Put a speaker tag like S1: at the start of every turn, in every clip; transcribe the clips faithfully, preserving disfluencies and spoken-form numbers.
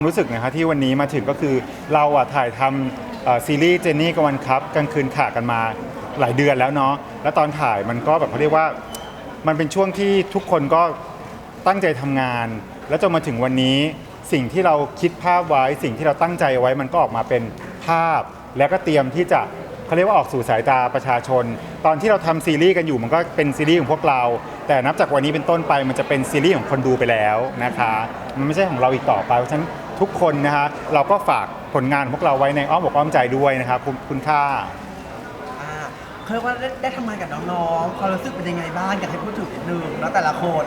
S1: รู้สึกนะคะที่วันนี้มาถึงก็คือเราอ่ะถ่ายทำซีรีส์เจนนี่กับวันครับกลางคืนขากันมาหลายเดือนแล้วเนาะแล้วตอนถ่ายมันก็แบบเขาเรียกว่ามันเป็นช่วงที่ทุกคนก็ตั้งใจทำงาน แล้วจนมาถึงวันนี้สิ่งที่เราคิดภาพไว้สิ่งที่เราตั้งใจไว้มันก็ออกมาเป็นภาพ แล้วก็เตรียมที่จะเขาเรียกว่าออกสู่สายตาประชาชน ตอนที่เราทำซีรีส์กันอยู่มันก็เป็นซีรีส์ของพวกเรา แต่นับจากวันนี้เป็นต้นไปมันจะเป็นซีรีส์ของคนดูไปแล้วนะคะมันไม่ใช่ของเราอีกต่อไปเพราะฉะนั้นทุกคนนะคะเราก็ฝากผลงานของพวกเราไว้ในอ้อมอกอ้อมใจด้วยนะครับคุณคุณค่า
S2: อ่าเขาเรียกว่าได้ได้ทำงานกับน้องๆความรู้สึกเป็นยังไงบ้างอยากให้พูดถึงนิดนึงแล้วแต่ละคน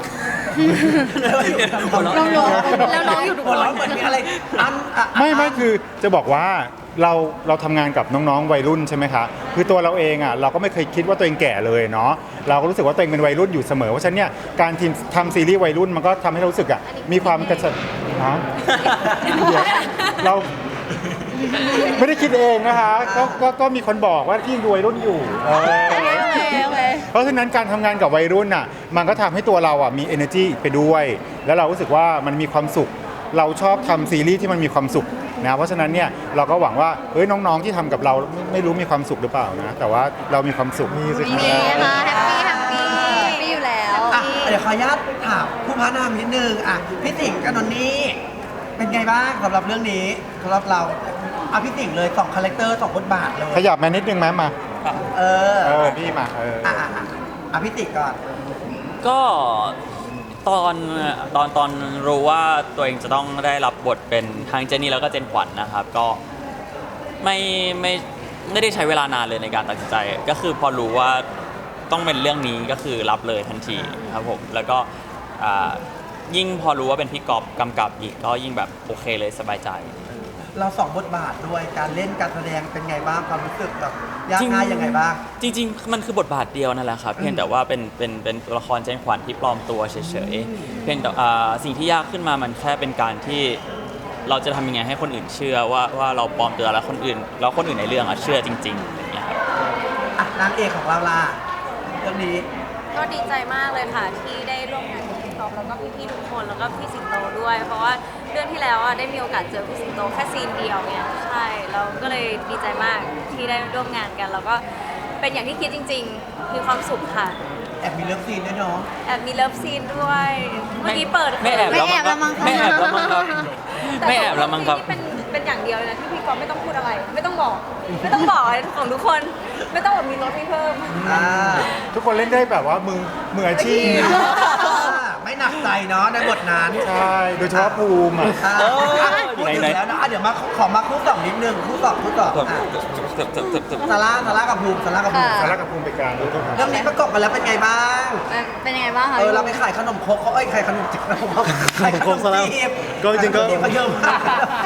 S2: น้องๆแล้วน้องอยู่ทุกคนเหมือนมีอะไรอันอ่ะ
S1: ไม่ไม่คือจะบอกว่าเราเราทำงานกับน้องๆวัยรุ่นใช่ไหมคะคือตัวเราเองอ่ะเราก็ไม่เคยคิดว่าตัวเองแก่เลยเนาะเราก็รู้สึกว่าตัวเองเป็นวัยรุ่นอยู่เสมอเพราะฉะนั้นเนี่ยการทีมทำซีรีส์วัยรุ่นมันก็ทำให้เรารู้สึกอ่ะมีความกระฉับฮะเราไม่ได้คิดเองนะคะก็ก็ก็มีคนบอกว่าที่วัยรุ่นอยู่เออเพราะฉะนั้นการทำงานกับวัยรุ่นอ่ะมันก็ทำให้ตัวเราอ่ะมี energy ไปด้วย แล้วเรารู้สึกว่ามันมีความสุขเราชอบทำซีรีส์ที่มันมีความสุขนะเพราะฉะนั้นเนี่ยเราก็หวังว่าเฮ้ยน้องๆที่ทำกับเราไม่ไม่รู้มีความสุขหรือเปล่านะแต่ว่าเรามีความสุขมีสิ
S3: มีค่ะแฮปปี้แฮปปี้แฮปปี้อยู่แล้ว
S2: อ่ะเดี๋ยวขออนุญาตถามผู้พานามนิดนึงอ่ะพี่ติ๋งกับนนนี่เป็นไงบ้างสำหรับเรื่องนี้สำหรับเราอ่ะพี่ติ๋งเลยสองคาแรคเตอร์สองบทบาทเลย
S1: ขยับมานิดนึงไหมมา
S2: เออ
S1: เออพี่มาเออ
S2: อ่ะอ่ะอ่ะอ่ะพี่ติ๋งก่อน
S4: ก็ตอนตอนตอนรู้ว่าตัวเองจะต้องได้รับบทเป็นทางเจนนี่แล้วก็เจนขวัญนะครับ ก็ไม่ไม่ไม่ได้ใช้เวลานานเลยในการตัดสินใจ ก็คือพอรู้ว่าต้องเป็นเรื่องนี้ก็คือรับเลยทันทีครับผมแล้วก็อ่ายิ่งพอรู้ว่าเป็นพี่ก๊อฟกำกับอีกก็ยิ่งแบบโอเคเลยสบายใจ
S2: เราสองบทบาทด้วยการเล่นการแสดงเป็นไงบ้างความรู้สึกแบบยากง่ายยังไงบ้าง
S4: จริงๆ มันคือบทบาทเดียวนั่นแหละครับ เพียงแต่ว่าเป็นเป็นเป็นตัวละครเจนขวัญที่ปลอมตัวเฉยๆ เพียงแต่อ่าสิ่งที่ยากขึ้นมามันแค่เป็นการที่เราจะทำยังไงให้คนอื่นเชื่อว่าว่าเราปลอมตัวแล้วคนอื่นแล้วคนอื่นในเรื่องอะเชื่อจริงๆอย่างเงี้ยครับ
S2: อ่ะนางเอกของเราล่ะเรื่องนี้
S3: ก็ดีใจมากเลยค่ะที่ได้ร่วมงานกับพี่ท็อปแล้วก็พี่ๆทุกคนแล้วก็พี่สิงโตด้วย เพราะว่าเรื่องที่แล้วอ่ะได้มีโอกาสเจอพี่สิงโตแค่ซีนเดียวเนี่ยใช่เราก็เลยดีใจมากที่ได้ร่วมงานกันแล้วก็เป็นอย่างที่คิดจริงๆ มีความสุขค่ะ
S2: แอบมีเลิฟซีนด้วยเนาะ
S3: แอบมีเลิฟซีนด้วย เมื่อกี้เปิด
S4: ไม่แอบแล้วมั้งครับไม่แอบแล้วมั้งครับไม่แอบแล้วมั้งครับ
S3: แต่เป็นเป็นอย่างเดียวเลยนะที่พี่ก๊อฟไม่ต้องพูดอะไร ไม่ต้องบอก ไม่ต้องบอกอะไรของทุกคนไม่ต้องแบบมีรถให้เพิ่ม
S2: อ่า
S1: ทุกคนเล่นได้แบบว่ามือมืออาชีพ
S2: ไม่หนักใจเนาะในบทนั้น
S1: ใช่โดยเฉพาะภูมิอ่ะ
S2: อ่า
S4: เออ
S2: พูดถึง
S4: ไหนๆ
S2: แล้วนะอ่ะเดี๋ยวมาขอมาคู่สองนิดนึงคู่สองคู่สองอ่ะซาร่าซาร่ากับภูมิซาร่ากับภูมิ
S1: สาระกับภูมิไปกลางด้วยครับ
S2: เรื่องนี้ประกบกันแล้วเป็นไงบ้าง
S3: เป็นยังไงบ้างคะ
S2: เออเราไปขายขนมครกเขาเอ้ยขายขนมจีบขนมครกขายขนมจีบ
S5: ก็จริงๆก็
S2: ขนมจีบเขาเยอะมาก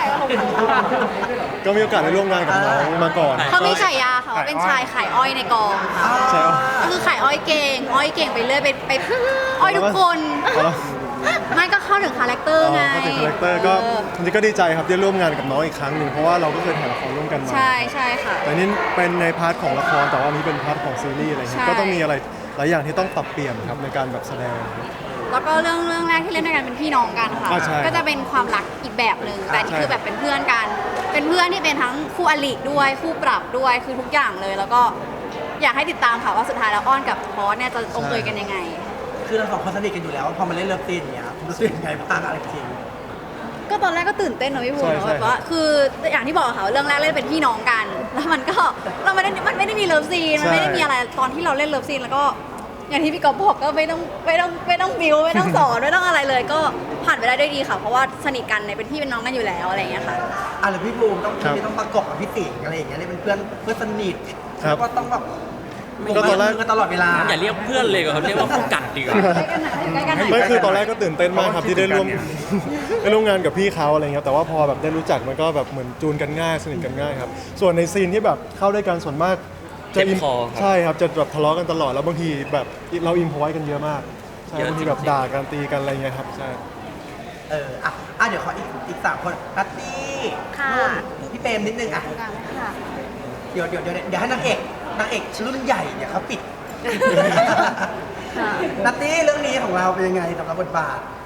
S5: ก็มีโอกาสได้ร่วมงานกับน้องมาก่อน
S3: เขามีฉายาค่ะว่าเป็นชายขายอ้อยในกองค่ะ
S5: ใช่
S3: ก็คือขายอ้อยเก่ง อ้อยเก่งไปเรื่อยไปไปอ้อยทุกคน ไม่ก็เข้าถึงคาแรคเตอร์ไง
S5: ก็เป็นคาแรคเตอร์ก็
S3: เออ
S5: จริงๆก็ดีใจครับได้ร่วมงานกับน้องอีกครั้งหนึ่งเพราะว่าเราก็เคยถ่ายละครร่วมกันมา
S3: ใช่ใช่ค่ะ
S5: แต่นี่เป็นในพาร์ทของละครแต่ว่าอันนี้เป็นพาร์ทของซีรีส์อะไรเงี้
S3: ใช่
S5: ยก็ต้องมีอะไรหลายอย่างที่ต้องปรับเปลี่ยนครับในการแบบแสดงครับ
S3: แล้วก็เรื่องเรื่องแรกที่เล่นด้วยกันเป็นพี่น้องกันค่ะ
S5: อ่าใช่
S3: ก็จะเป็นความรักอีกแบบหนึ่งแต่นี่
S5: ใช่
S3: คือแบบเป็นเพื่อนกัน เป็นเพื่อนที่เป็นทั้งคู่อริด้วยคู่ปรับด้วยคือทุกอย่างเลย แล้วก็อยากให้ติดตามค่ะว่าสุดท้ายแล้วอ้อนกับพอสเนี่ยจะลงเอยกันยังไง
S2: คือเราสองคนสนิทกันอยู่แล้วพอมาเล่นเลิฟซีนอย่างเงี้ยรู้สึกยังไงบ้างอะไรจริง
S3: ก็ตอนแรกก็ตื่นเต้นเนอะพี่ภูมิ
S5: ใช่
S3: เนอะ
S5: ใช่
S3: แบบว่าคืออย่างที่บอกค่ะว่าเรื่องแรกเล่นเป็นพี่น้องกัน แล้วมันก็เราไม่ได้มันไม่ได้มีเลิฟซีนมันไม่ได้มีอะไรตอนที่เราเล่นเลิฟซีนแล้วก็อย่างที่พี่ก๊อฟบอกก็ไม่ต้องไม่ต้องไม่ต้องบิวไม่ต้องสอนไม่ต้องอะไรเลย ก็ผ่านไปได้ด้วยดีค่ะ เพราะว่าสนิทกันในเป็นพี่เป็นน้องกันอยู่แล้วอะไรอย่างเงี้ยค่ะ
S2: อ่ะหรือพี่ภูมิต้อง
S5: ครับ
S2: พี่ต้องประกบกับพี่ติ๋งอะไรอย่างเงี้ยเลยเป็นเพื่อนเพื่อนสนิท
S5: ครับ
S2: แล้วก็ต้องแบบ
S5: ก็ตอนแรก
S2: มืกันตลอดเวลา
S4: อย่าเรียกเพื่อนเลยเขาเรียกว่าผู้กัดดีกว่า
S3: ใกล้กันหน่อยใกล้กันหน่อย
S5: ไม่คือตอนแรกก็ตื่นเต้นมากครับที่ได้ร่วม ได้ร่วมงานกับพี่เขาอะไรเงี้ยแต่ว่าพอแบบได้รู้จักมันก็แบบเหมือนจูนกันง่ายสนิทกันง่ายครับส่วนในซีนที่แบบเข้าด้วยกันส่วนมากจะ
S4: เจ็บ
S5: อิน
S4: คอครับ
S5: ใช่ครับจะแบบทะเลาะกันตลอดแล้วบางทีแบบเราอินพอไว้กันเยอะมากใช่
S4: เยอะ
S5: บางที
S4: จริงๆ
S5: แบบด่ากันตีกันอะไรเงี้ยครับใช่
S2: เอออ่ะอ่ะเดี๋ยวขออีกอีกสามคนนัตตี้
S3: ค่ะ
S2: นุ่นพี่เปรมนิดนึงอ่ะ
S3: ค่ะ
S2: เดี๋ยวเดี๋ยวเดี๋ยวเดี๋ยวให้นางเอกนางเอกรุ่นใหญ่เนี่ยเขาปิด
S3: ค่ะ
S2: นัตตี้เรื่องนี้ของเราเป็นยังไงสำหรับบทบาท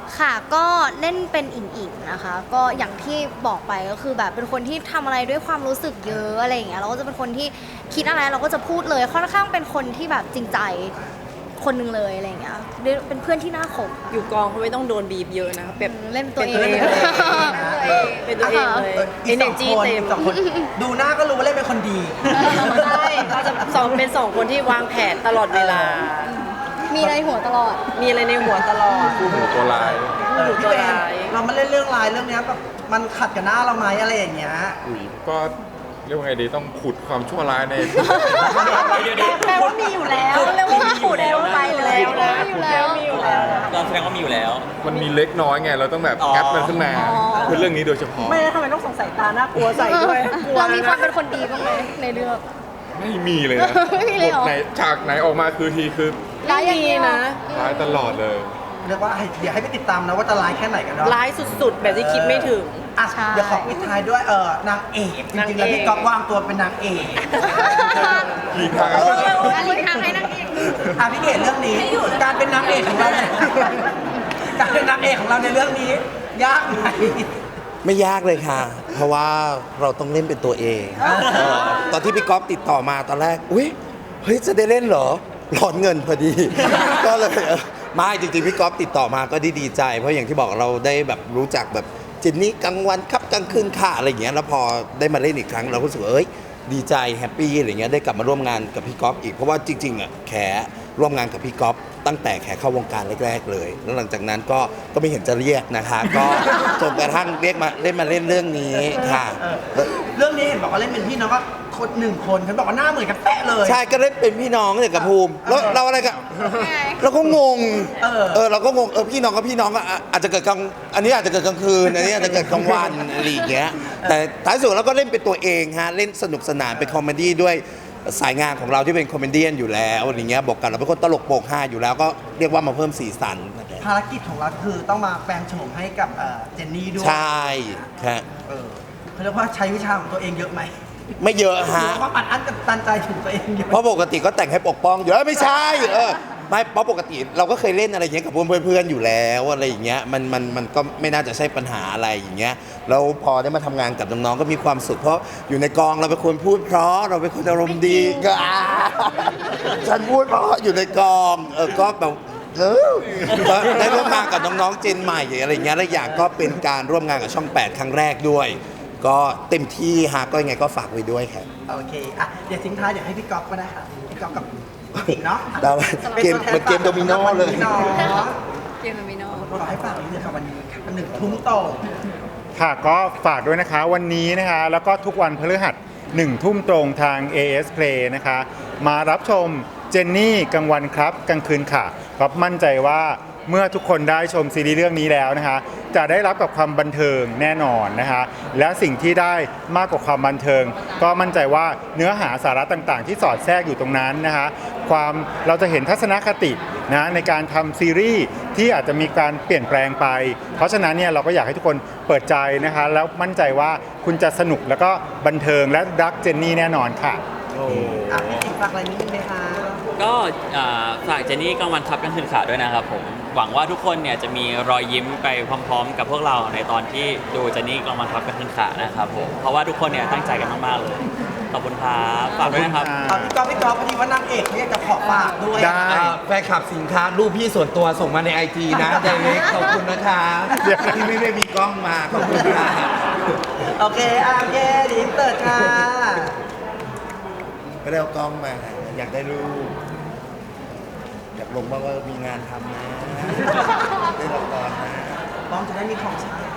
S6: ค่ะก็เล่นเป็นอิงอิงนะคะ ก็อย่างที่บอกไปก็คือแบบเป็นคนที่ทำอะไรด้วยความรู้สึกเยอะอะไรอย่างเงี้ยเราก็จะเป็นคนที่คิดอะไรเราก็จะพูดเลยค่อนข้างเป็นคนที่แบบจริงใจคนหนึงเลยอะไรอย่างเงี้ยเป็นเพื่อนที่น่าคบ
S7: อยู่กองเขาไม่ต้องโดนบีบเยอะนะครับแบบ
S6: เล่นตัวเอง
S7: เป็นตัวเองเป็นตัวเองเลย
S2: อีก
S7: เอเน
S2: สอง
S7: จี
S2: คน
S7: เต็ม
S2: อีกสองคนดูหน้าก็รู้ว่าเล่นเป็นคนดี
S7: ใช่เราจะสองเป็นสองคนที่วางแผนตลอดเวลา
S6: มีในหัวตลอด
S7: มีอะไรในหัวตลอด
S8: คู่หูตัวลาย
S2: เออ
S7: ตั
S2: พี่
S7: ว
S2: เบน
S7: ร้าย
S2: เรามาเล่นเรื่องลายเรื่องเนี้ยแบบมันขัดกับหน้าเราไหมอะไรอย่างเงี้ย
S8: อุ๋ยก็เรียกว่าไงดีต้องขุดความชั่วร้ายใน
S7: แปลว่ามีอยู่แล้ว
S3: เรียกว่าขุดแล้วไปแล้ว
S7: นะอยู่แล้วมีอยู่แล้วนะ
S4: เราแสดงว่ามีอยู่แล้ว
S8: มันมีเล็กน้อยไง เราต้องแบบ
S4: อ๋อ
S8: แอปมันขึ้นมาเพื่อเรื่องนี้โดยเฉพาะ
S7: ไม่แล้วทำไมต้องสงสัยตาน่ากลัวใส่ด้วยกลัว
S6: เรามีความ
S7: นะ
S6: เป็นคนดีบ้างไหมในเรื่อง
S8: ไม่มีเลยนะ
S6: ไม่มีเลยเหรอ
S8: บทไหนฉากไหนออกมาคือทีคือ
S6: ร้ายอย่างเดียว
S7: นะ
S8: ร้ายตลอดเลย
S2: เรียกว่าให้เดี๋ยวให้ไปติดตามนะว่าจะลายแค่ไหนกันเนาะ
S7: ร้ายสุดๆ แบบที่คิดไม่ถึง
S2: อ่ะ
S6: ใช่
S2: เดี๋ยวขอปิดท้ายด้วยเออนางเอกจริงๆแล้วพี่ก๊อฟวางตัวเป็นนางเอก
S8: กี่ทาง
S6: อันนี้ทางให้นักเอก
S2: อ่ะพี่เกดเรื่องนี้ การเป็นนางเอกของเราเนี่ยการเป็นนางเอกของเราในเรื่องนี้ ยากไหม
S9: ไม่ยากเลยค่ะ เพราะว่าเราต้องเล่นเป็นตัวเองเออตอนที่พี่ก๊อฟติดต่อมาตอนแรก อุ้ยเฮ้ย จะได้เล่นเหรอร้อนเงินพอดี ก็เลยเออไม่จริงๆ พี่ก๊อฟติดต่อมาก็ดีดีใจ เพราะอย่างที่บอกเราได้แบบรู้จักแบบเจนนี่กลางวันครับกลางคืนค่ะอะไรอย่างเงี้ย แล้วพอได้มาเล่นอีกครั้งเราก็รู้สึกว่าเอ้ย ดีใจแฮปปี้อะไรเงี้ยได้กลับมาร่วมงานกับพี่ก๊อฟอีก เพราะว่าจริงๆอ่ะแขร่วมงานกับพี่ก๊อฟตั้งแต่แขเข้าวงการแรกๆเลย แล้วหลังจากนั้นก็ก็ไม่เห็นจะเรียกนะคะ ก็จนกระทั่งเรียกมาเล่นมาเล่นเรื่องนี้ค่ะ
S2: เรื่องนี้เห็นบอกว่าเล่นเป็นพี่น้องก็คนหนึ่งคนฉันบอกว่าหน้าเหมือนกันเป๊ะเลย
S9: ใช่ก็เล่นเป็นพี่น้องเนี่ยกับภูมิแล้วเราอะไรกันเราก็งง
S2: เออ
S9: เออเราก็งงเออพี่น้องก็พี่น้องก็อ่ะอาจจะเกิดกลางอันนี้อาจจะเกิดกลางคืนอันนี้อาจจะเกิดกลางวันอะไรอย่างเงี้ยแต่ท้ายสุดเราก็เล่นเป็นตัวเองฮะเล่นสนุกสนานเป็นคอมเมดี้ด้วยสายงานของเราที่เป็นคอมเมดี้อยู่แล้วอะไรเงี้ยบอกกันเราเป็นคนตลกโปกฮาอยู่แล้วก็เรียกว่ามาเพิ่มสีสันนะครับ
S2: ภารกิจของเราคือต้องมาแปลงโฉมให้กับเอ่อเจนนี่ด้วย
S9: ใช่ฮะ
S2: เออเขาเรียกว่าใช้วิชาของตัวเองเยอะไหม
S9: ไม่เยอะ
S2: หรื
S9: ฮะ
S2: อว่าอัดอั้นกับตันใจถึงตัวเองเยอะ
S9: เพราะปกติก็แต่งให้ปกป้องอยู่แล้วไม่ใช่เออไม่เพราะปกติเราก็เคยเล่นอะไรอย่างเงี้ยกับเพื่อนๆอยู่แล้วอะไรอย่างเงี้ยมันมันมันก็ไม่น่าจะใช่ปัญหาอะไรอย่างเงี้ยแล้วพอได้มาทำงานกับน้องๆก็มีความสุขเพราะอยู่ในกองเราเป็นคนพูดเพราะเราเป็นคนอารมณ์ดีก็อ่าฉันพูดเพราะอยู่ในกองเออก็แบบเออก็ได้ร่วมงานกับน้องๆเจนใหม่อะไรอย่างเงี้ยและอย่างก็เป็นการร่วมงานกับช่องแปดครั้งแรกด้วย ก็เต็มที่ฮะก็ยังไงก็ฝากไว้ด้วยครับ
S2: โอเค อ่ะ เดี๋ยวทิ้งท้ายเดี๋ยวให้พี่ก๊อฟก็ได้ค่ะ พี่ก๊อฟกับพี่ติ๋งเนาะ
S9: ได้ไหมเกมเหมือนเกมโดมิโนเลย
S2: เนาะ
S3: เกมมิโน
S2: ขอให้ฝากนิดนึงค่ะวันนี้ค่ะหนึ่งทุ่มตรง
S1: ค่ะก็ฝากด้วยนะคะวันนี้นะคะแล้วก็ทุกวันพฤหัสหนึ่งทุ่มตรงทาง เอ เอส Play นะคะ มารับชมเจนนี่กลางวันครับกลางคืนค่ะก็มั่นใจว่าเมื่อทุกคนได้ชมซีรีส์เรื่องนี้แล้วนะคะ จะได้รับกับความบันเทิงแน่นอนนะคะ และสิ่งที่ได้มากกว่าความบันเทิง ก็มั่นใจว่าเนื้อหาสาระต่างๆ ที่สอดแทรกอยู่ตรงนั้นนะคะ ความเราจะเห็นทัศนคตินะในการทำซีรีส์ที่อาจจะมีการเปลี่ยนแปลงไป เพราะฉะนั้นเนี่ยเราก็อยากให้ทุกคนเปิดใจนะคะ แล้วมั่นใจว่าคุณจะสนุกแล้วก็บันเทิงและรักเจนนี่แน่นอนค่ะ
S2: อ่ะ พี่ติ๋งฝากอะไรนิดนึงไหมคะ
S4: ก็อ่าฝากเจนนี่กลางวันครับกลางคืนขาด้วยนะครับผมหวังว่าทุกคนเนี่ยจะมีรอยยิ้มไปพร้อม ๆ กับพวกเราในตอนที่ดูเจนนี่กลางวันครับกลางคืนขานะครับผมเพราะว่าทุกคนเนี่ยตั้งใจกันมากๆเลยขอบคุณครับฝากด้วยนะครับ
S2: เอาพี่ก๊อฟพี่ก๊อฟพอดีว่านางเอกเขาอยากจะขอฝากด้วย
S1: ได้
S9: อ่าแฟนคลับสินค้ารูปพี่ส่วนตัวส่งมาในไอจีนะไดเรกขอบคุณนะคะที่ไม่ได้มีกล้องมาขอบคุณค่ะ
S2: โอเคอ่ะโอเคเดียวเติร์ดค่ะ
S9: ก็ได้เอากล้องมาอยากได้รูปอยากลงบ้างว่ามีงานทำนะได้ละครนะ
S2: ป้อมจะได้มีของใช้